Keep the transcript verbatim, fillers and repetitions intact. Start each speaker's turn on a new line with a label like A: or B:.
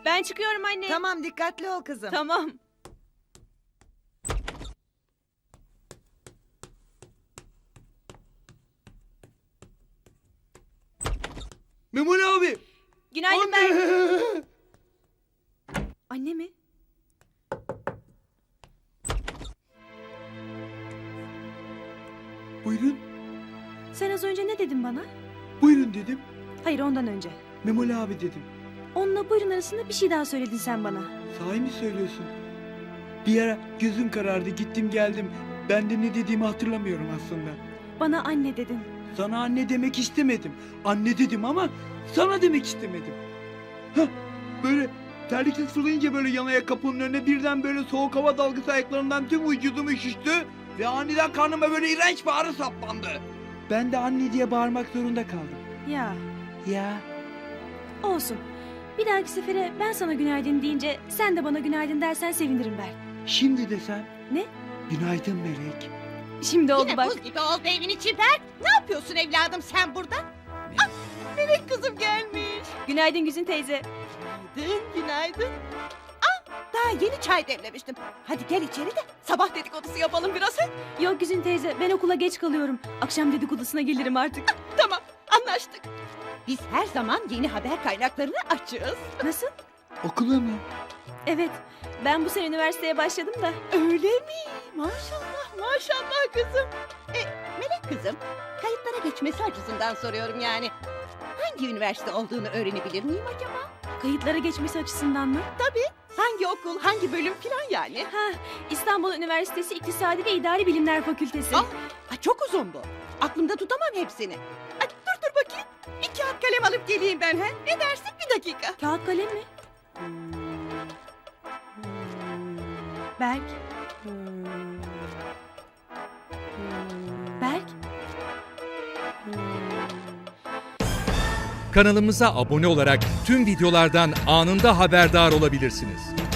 A: Ben çıkıyorum anne.
B: Tamam, dikkatli ol kızım.
A: Tamam.
C: Memoli abi.
A: Günaydın
C: Anne.
A: Berk. Anne mi?
C: Buyurun.
A: Sen az önce ne dedin bana?
C: Buyurun dedim.
A: Hayır, ondan önce.
C: Memoli abi dedim.
A: Onunla buyurun arasında bir şey daha söyledin sen bana.
C: Sahi mi söylüyorsun? Bir ara gözüm karardı, gittim geldim. Ben de ne dediğimi hatırlamıyorum aslında.
A: Bana anne dedin.
C: Sana anne demek istemedim. Anne dedim ama sana demek istemedim. Hah, böyle terlikle sulayınca böyle yanaya kapının önüne birden böyle soğuk hava dalgası ayaklarından tüm vücudum üşüştü. Ve aniden karnıma böyle iğrenç bir ağrı saplandı. Ben de anne diye bağırmak zorunda kaldım.
A: Ya,
C: Ya
A: olsun. Bir dahaki sefere ben sana günaydın deyince sen de bana günaydın dersen sevinirim Berk.
C: şimdi desem.
A: Ne?
C: Günaydın Melek.
A: Şimdi oldu
D: Yine
A: bak.
D: buz gibi oldu evin içi Berk. Ne yapıyorsun evladım sen burada? Ah, bebek kızım gelmiş.
A: Günaydın Güzin teyze.
D: Günaydın, günaydın. Ah, daha yeni çay demlemiştim. Hadi gel içeri de sabah dedikodusu yapalım biraz. he?
A: Yok Güzin teyze, ben okula geç kalıyorum. Akşam dedikodusuna gelirim artık.
D: Tamam, anlaştık. Biz her zaman yeni haber kaynaklarını açığız.
A: Nasıl?
C: Okula mı?
A: Evet, ben bu sene üniversiteye başladım da.
D: Öyle mi? Maşallah, maşallah kızım. E, Melek kızım, kayıtlara geçmesi açısından soruyorum yani. Hangi üniversite olduğunu öğrenebilir miyim acaba?
A: Kayıtlara geçmesi açısından mı?
D: Hangi okul, hangi bölüm filan yani?
A: Ha, İstanbul Üniversitesi İktisadi ve İdari Bilimler Fakültesi.
D: Ah, ha, çok uzun bu. Aklımda tutamam hepsini. Ay, dur dur bakayım. Bir kağıt kalem alıp geleyim ben. He? Ne dersin bir dakika?
A: Kağıt kalem mi? Berk. Berk.
E: Kanalımıza abone olarak tüm videolardan anında haberdar olabilirsiniz.